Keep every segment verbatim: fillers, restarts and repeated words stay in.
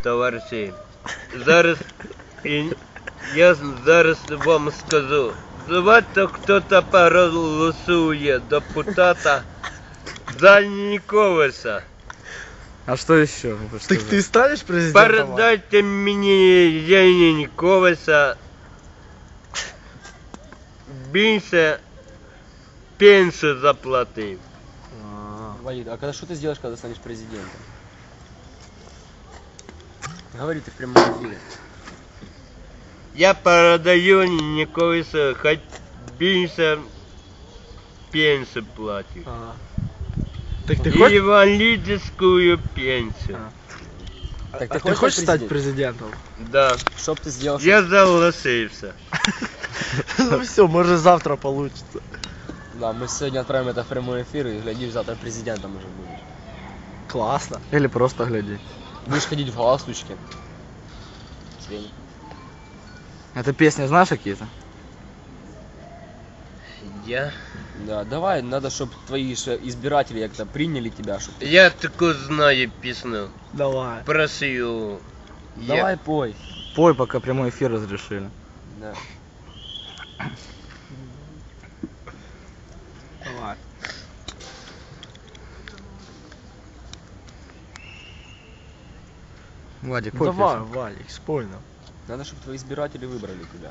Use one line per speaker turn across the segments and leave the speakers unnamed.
товариші. Зараз і я зараз вам скажу. Давайте хто-то проголосує депутата за Януковича.
А что еще?
Так ты станешь президентом?
Передайте мне Януковича більше пенсию заплатив.
Валид, а когда что ты сделаешь, когда станешь президентом? Говори ты в прямом эфире.
Я передаю Януковичу хоть більше пенсию платить.
А. Так ты хочешь?
Инвалидскую пенсию.
А,
Так
а
ты
ты
хочешь
хочешь
стать
стать президентом?
Да.
Что б ты сделал?
Я согласился.
Ну все, может завтра получится.
Да, мы сегодня отправим это в прямой эфир и глядишь, завтра президентом уже будешь.
Классно.
Или просто гляди.
Будешь ходить в галстучке. Свень.
Это песни знаешь какие-то?
Я?
Да, давай, надо, чтобы твои же избиратели как-то приняли тебя, чтобы...
Я такую знаю песню.
Давай.
Просил.
Давай пой.
Пой, пока прямой эфир разрешили.
Да.
Давай.
Вадик,
Ну
пой
давай,
песню.
Валик, спой нам.
Надо, чтобы твои избиратели выбрали тебя.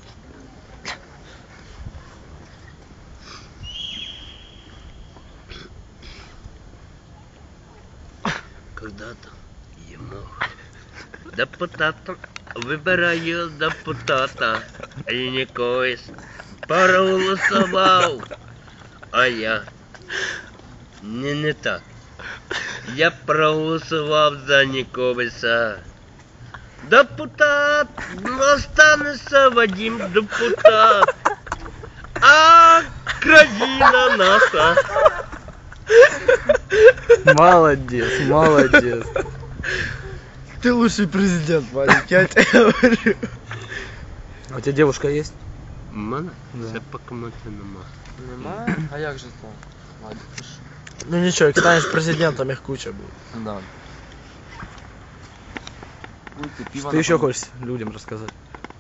Когда-то я мог депутатом, выбираю депутата, а Янукович проголосовал, а я не, не так. Я проголосовал за Януковича. Депутат, останется Вадим депутат, а країна наша.
Молодец, молодец.
Ты лучший президент, Валик, я тебе говорю.
А у тебя девушка есть?
У мене?
Да.
Це поки мене нема.
Нема? А як же то? Ладно, ти ж.
Ну ничего, как станешь президентом, их куча будет.
Да. Ой, ты пиво
Ты еще
напомнил.
хочешь людям рассказать?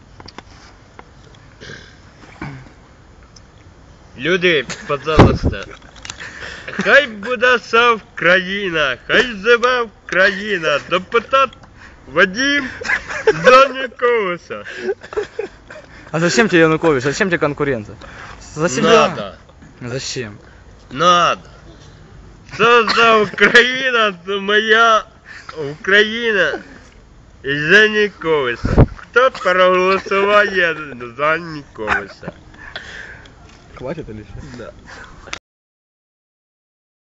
Люди, пожалуйста, хай буде вся Україна, хай живе Україна, депутат Вадим Януковича.
А зачем тебе Янукович? Зачем тебе конкуренция? За себя?
Надо,
Зачем?
надо. Це за Україна, це моя Україна і Януковича. Хто проголосуває за Януковича?
Хватит или что?
Да.